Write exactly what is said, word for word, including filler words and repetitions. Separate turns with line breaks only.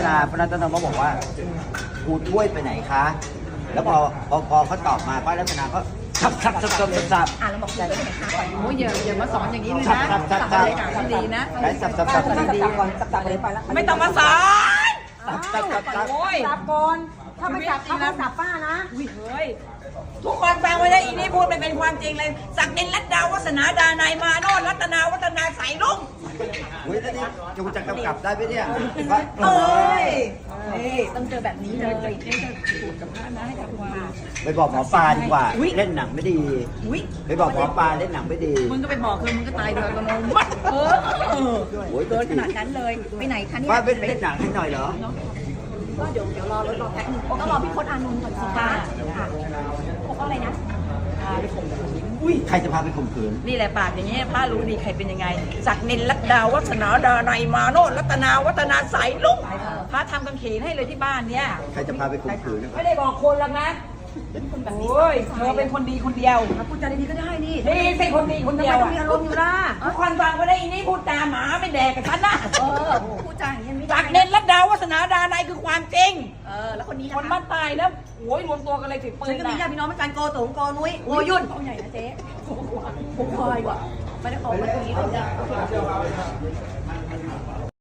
นาป้ารัตนาก็บอกว่าครูถ้วยไปไหนคะแล้วพอพอพอเขาตอบมาป้ารัตนาก็สับสับสับสับสับ
อ่ะเราบอกใจไปไหนคะก่อน
โอ้ยอย่าอย่ามาสอนอย่างนี้เลย
สับ
นะ
สับสับ
สั
สั
บบ รรยากาศที่ดีนะ
ได้สับสับสับ
สับ
สับ
สับก่อนสับสับไปไปแล้ว
ไม่ต้องมาสอน
สับสับสับสับ
โอ้ย
สับก่อนถ้าไม่จับเขาต้องสับป้านะ
อุ้ยเฮ้ยทุกคนฟังไว้ได้อีนี่พูดไม่เป็นความจริงเลยศักดินรัตดาวัฒนาดานายมาโนรัตนาวัฒนาใสลุง
เฮ้ยแล้วนี่จูจะกำกับได้ไหมเนี่ยว่า
เอ้ย
นี่ต้องเจอแบบนี้เลย
เจ๊จะพูดกับพระนะให้กับความ
ไปบอกหมอปลาดีกว่าเล่นหนังไม่ดี
อุ้ย
ไปบอกหมอปลาเล่นหนังไม่ดี
มึงก็ไปบอกคือมึงก็ตายโดยอัตโนมัติเออเออ
โอ้ย
เกินขนาดนั้นเลยไปไหนคะเนี่ย
ป้าเป็นเล่นหนังให้หน่อยเหรอ
ก็เดี๋ยวเดี๋ยวรอรถรอแป๊บนึงต้องรอพี่พจน์อานนท์ก่อนสิคะค่ะพวกอะไรนะ
อุ้ยใครจะพาไปข่มขืน
นี่แหละปากอย่างเงี้ยป้ารู้ดีใครเป็นยังไงศักดินรัตดาวัฒนาดานายมาโนรัตนาวัฒนาใสลุงพระทำกางเขนให้เลยที่บ้านเนี่ย
ใครจะพาไปข่มขืน
ไม่ได้บอกคนหรอกนะโอ้ยเธอเป็นคนดีคนเดียว
พูดจาดีๆก็ได้นี่
ดีสิคนดีคนเดียว
ทำไมต้องมีอารมณ์อยู่ล่ะ
ทุกคนฟังไว้ได้อีนี่พูดจาหมาไม่แดกกับฉันนะ
เออพูดจาอย่างนี้ไม่ได้
ศักดินรัตดาวัฒนาดานายคือความจริง
เออแล้วคนนี้
คนบ้านตายแล้วโอ้ยรวมตัวกันเลยถือปื
ฉั
น
นก็มีญาติพี่น้องเหมือนกันโกตงโกนุ้ยโกยุ่นเขาใหญ่นะเจ๊ผมคอยว่ะไม่ได้ออกมาตรงนี้เลย